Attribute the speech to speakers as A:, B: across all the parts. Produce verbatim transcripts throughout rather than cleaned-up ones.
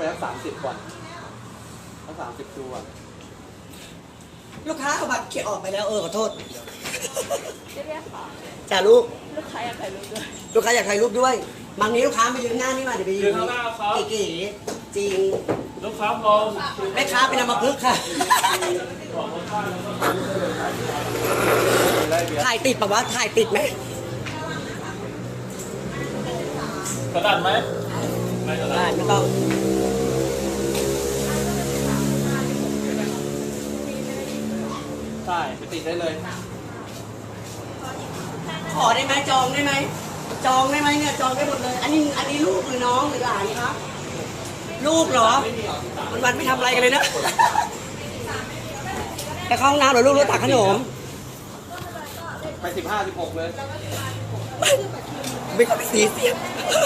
A: สักสามสิบก่อนสักสามสิบตัว
B: ลูกค้าเอาบัตรเขียนออกไปแล้วเออขอโทษ
C: เจ๊เรียกค่ะ
B: จ่าลูก
C: ลูกค้าอยากถ่ายรูปด้วย
B: ลูกค้าอยากถ่ายรูปด้วยบางนี้ลูกค้าไปยืนหน้านี่มาเดี๋ยวไปยื
D: ยื
B: น
D: นข้างหน้าครับ
B: เก๋ๆจริง
D: ลูกค้าพร้อม
B: แม่ค้าเป็นอัมพฤกษ์ค่ะ ถ่ายติดปะวะถ่ายติดไหม
D: กระดาษไหมไม่กระดา
B: ได้
D: ษ
B: ไม่ต้อง
A: ใช่ไปติดได้เลย
B: ขอได้ไหมจองได้ไหมจองได้ไหมเนี่ยจองได้หมดเลย อันนี้อันนี้ลูกหรือน้องหรือหลานครับลูกเหรอวันวันๆไม่ทำอะไรกันเลยนะไปเข้าห้องน้ำเหรอลูกรถตักขนม
A: ไปสิบห้าสิบหกเลย
B: ไม่ต้องไปสีเสียง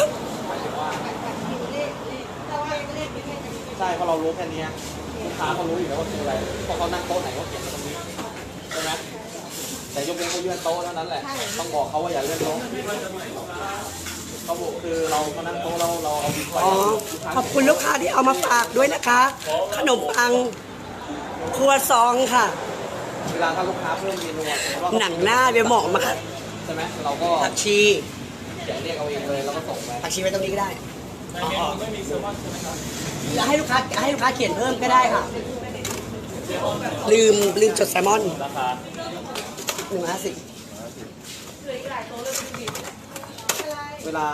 A: ใช่เพราะเรารู้แค่นี้ลูกค้าเขารู้อยู่แล้วว่าคืออะไรเพราะเขานั่งโต๊ะไหนเขาเขียนมาตรงนี้ใช่ไหมแต่ยกเว้นเขาเลื่อนโต๊ะเท่านั้นแหละต้องบอกเขาว่าอย่าเลื่อนโต๊ะเขาบอกคือเรามานั่งโต๊ะเราเราเอาดีกว่า
B: อ๋อขอบคุณลูกค้าที่เอามาฝากด้วยนะคะ ขนมปังครัวซองค่ะ
A: เวลาถ้าลูกค้าเพิ่มเมนูอะสมมุติว่า
B: หนังหน้าเบียร์เหมาะมาก
A: ใช่ไหมเราก็
B: ผักชี
A: เขียนเรียกเอาเองเลยแล้วก็ส่งไป
B: ผักชีไว้ตรงนี้ก็ได้
D: ในเมนูไม่มีแซลมอนใช่ไหมครับ
B: จะให้ลูกค้าให้ลูกค้าเขียนเพิ่มก็ได้ค่ะ ลืมลืมจดแซลมอน
D: ราคา
B: หนึ่งห้าสิบ
A: เวลา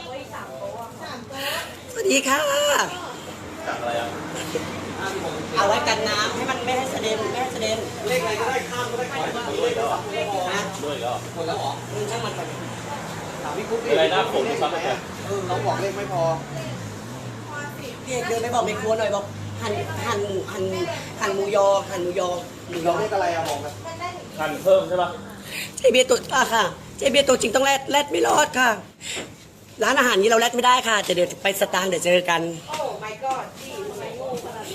B: สวัสดีค่ะ
D: จากอะไรอ่ะ
B: เอาไว้กันน้ำให้มันไม่ให้เสด็นไม่ให้เสด็น
A: เลขอะไรก็ได้ข้ามก็ได้ขอให้เลขได้สามตัวพอ
B: นะ
D: ด้วยก็
A: หมดแล้วเหรอ
B: มึงช่างมันไป
A: ถามพี่กุ๊กดิ
D: อะไรนะผม
A: เลข
D: ครับ
A: ไหมอะเออเราบอกเลขไม่พอ
B: พี่เอกเดินไปบอกในครัวหน่อยบอกหั่นหั่นหั่นหั่นหมูยอหั่นหมูยอหมูย
A: เรา
B: อ
A: เลขอะไรอะบอกนะ
D: หั่นเพิ่มใช่ปะ
B: เจเบียร์ตัวอ่ะค่ะเจเบียร์ตัวจริงต้องแรดแรดไม่รอดค่ะ ร้านอาหารนี้เราแรดไม่ได้ค่ะจะเดี๋ยวไปสตางค์เดี๋ยวเจอกัน
C: โอ้ my god พี่ทำไมโง่ขนาดนี้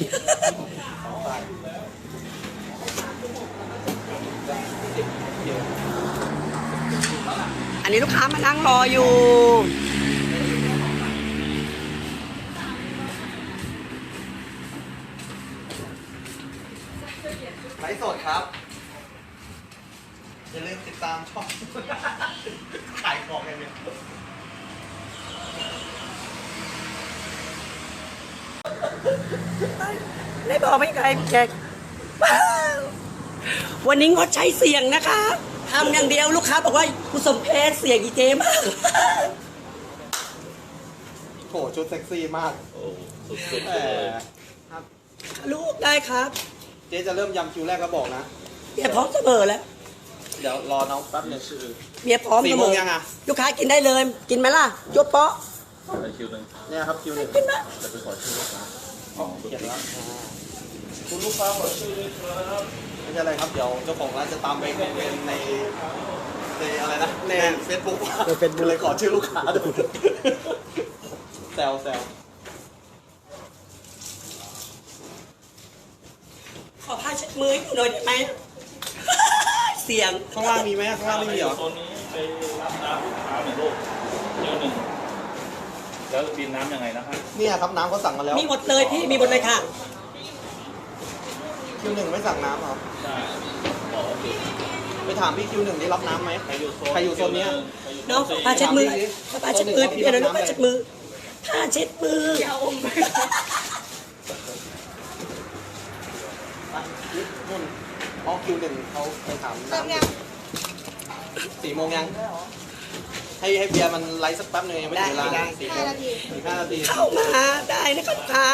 B: อันนี้ลูกค้ามานั่งรออยู่
A: ไลฟ์สดครับอย่าลืมติดตามช่อง ขายของกันเนี่ย
B: ได้บอกไม่ไกลแจกวันนี้งดใช้เสียงนะคะทำอย่างเดียวลูกค้าบอกว่าผู้สมเพศเสียงอีเจมาก
A: โหชุดเซ็กซี่มาก
D: โอ้สุดๆ
A: แห
D: เลย
A: มครับ
B: ลูกได้ครับ
A: เจ๊จะเริ่มยำคิวแรกก็บอกนะ
B: เมียพร้อมเสมอแล้ว
A: เดี๋ยวรอน้องแป๊บหนึง
B: เมียพร้อม
A: สี่
B: เส
A: โม
B: ม
A: ง
B: อ
A: ยังอะ
B: ลูกค้ากินได้เลย กินไหมล่ะยกเปาะ
D: ไปคิวหนึ่ง
A: เนี่ยครับคิวหนึ่ง
B: กินไหม
D: จะไปขอชื่อลูกค้า
A: อ๋อเขียนแล้วอ่า
D: คุณลูกค้าขอชื่อด้วยครับ
A: ไม่ใช่อะไรครับ เดี๋ยวเจ้าของร้านจะตามไปคอมเมนต์ในในอะไรนะ ในเฟซบุ๊ก
B: ใน Facebook
A: เลยขอชื่อลูกค้าดูแซวแซว
B: ขอผ้าเช็ดมือให้หน่อยได้ไหม เสียง
A: ข้างล่างมีไหมข้างล่างไม่มีเหรอ
D: โซนนี้ไปรับน้ำลูกค้าหนึ่งลูกคิวหนึ่งแล้วบินน้ำยังไงนะครับ
A: เนี่ยครับน้ำเขาสั่งมาแล้ว
B: มีหมดเลยพี่มีหมดเลยค่ะ
A: คิวหนึ่งไม่สั่งน้ำเหรอ
D: ใช่บอกว่าจุด
A: ไปถามพี่คิวหนึ่งได้รับน้ำไหม
D: ใครอยู่โซน
A: ใครอยู่โซนเนี้ย
B: น้องขอผ้าเช็ดมือขอผ้าเช็ดมือพี่เบียร์หน่อยลูกผ้าเช็ดมือผ้าเช็ดมือ
C: อย่าอมไป
A: อ่ะนี่นู่นอ๋อคิวหนึ่งเขาไปถามน้ำสี่โมงยัง ให้ให้เบียร์มันไลฟ์สักแป๊บหนึงยังไม่ถึงเวลาสี่โมงสี่ห้านาที
B: เข้ามาได้นะคะลูกค้า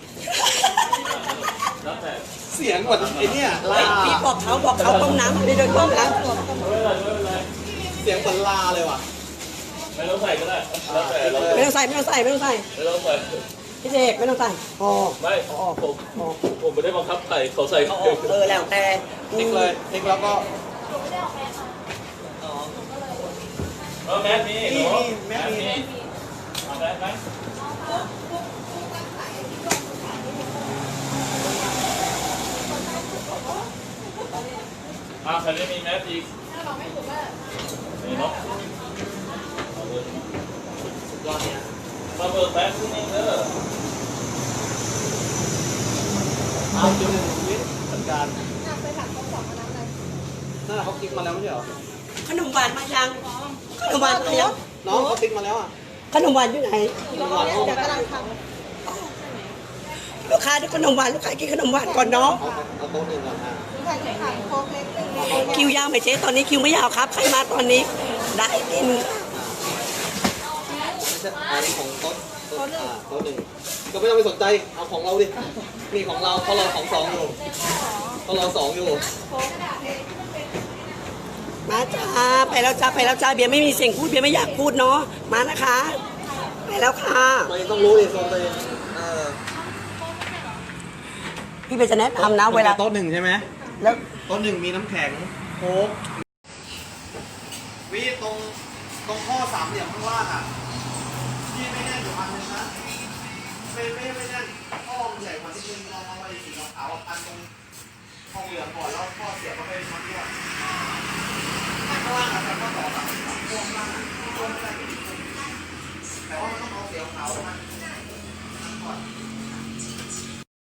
D: แล้วแต่
A: เสียงเหมือนไอ้เนี่ยลา
B: พี่บอกเขาบอกเขาต้มน้ำไม่ได้ต้มน้
D: ไม่เป็นไรไม่เป็นไร
A: เสียงเหมือนลาเลยว่ะ
D: ไม่ต้องใส่ก็ได้แล้วแต่เรา
B: ำไม่ต้องใส่ไม่ต้องใส่ไม่ต้องใส่
D: ไม่ต้องใส่
B: พี่เจกไม่ต้องใส่พอ
D: ไม่ผมผมไม่ได้บังคับใส่เขาใส่
B: เอาออกเออแล้วแต่
A: ติ๊กเลยติ๊กแล้วก็
D: เออแมสมีหนูแมสมีเอาแมสไหมอ่าใครไม่มีแมสอีกนี่เนาะ
A: สุดยอดเนี่ย
D: มาเบิกแมสที่นี่เด้อ
A: เอาคิวหนึ่งวิทย์จัดการไปถามเขาสองคนนั้นเลยนั่นเขาติ๊กมาแล้วไม่ใช่เหรอ
B: ขนมหวานมายังขนมหวานมายัง
A: น้องเขาติ๊กมาแล้วอ่ะ
B: ขนมหวานอยู่ไหน
A: น้องเขา
C: เดี๋ยวกำลังท
B: ลูกค้าได้ขนมหวานลูกค้ากินขนมหวานก่อนเนาะ
A: เอาเอาโต๊ะหนึ่งก่อนอ่ะ
C: ำถ่ายถ่ายโค้กเล็กหนึ่ง
B: คิวยาวไหมเจ๊ตอนนี้คิวไม่ยาวครับใครมาตอนนี้ได้กิน
A: ไม่ใช่อันนี้ของโต๊ะโต๊ะอ่าโต๊ะหนึ่งก็ไม่ต้องไปสนใจเอาของเราดินี่ของเราเพราะเราของสองอยู่เพราะเราสองอยู่
B: มาจ้าไปแล้วจ้าไปแล้วจ้าเบียร์ไม่มีเสียงพูดเบียร์ไม่อยากพูดเนาะมานะคะไปแล้วค่ะ
A: ตัวเองต้องรู้ดิโซนตัวเองเออ
B: พี่เบียร์จะแนะนำนะเวลา
A: โต๊ะหนึ่งใช่ไหม
B: แล้ว
A: โต๊ะหนึ่งมีน้ำแข็งโค้กวิตรงตรงข้อสามเหลี่ยมข้างล่างอ่ะที่ไม่แน่นอยู่พันหนึงนะไม่ไม่ไม่แน่นข้อมันใหญ่กว่าที่นึงลองเอาไปสีขาวๆพันตรงข้อเหลืองก่อนแล้วข้อเสียบเข้าไปมัดด้วยข้างล่างอ่ะแต่ข้อต่อสามสามข้อข้างล่างอ่ะข้อไม่ได้แต่ว่ามันต้องเอาเสียบขาวมันก่อน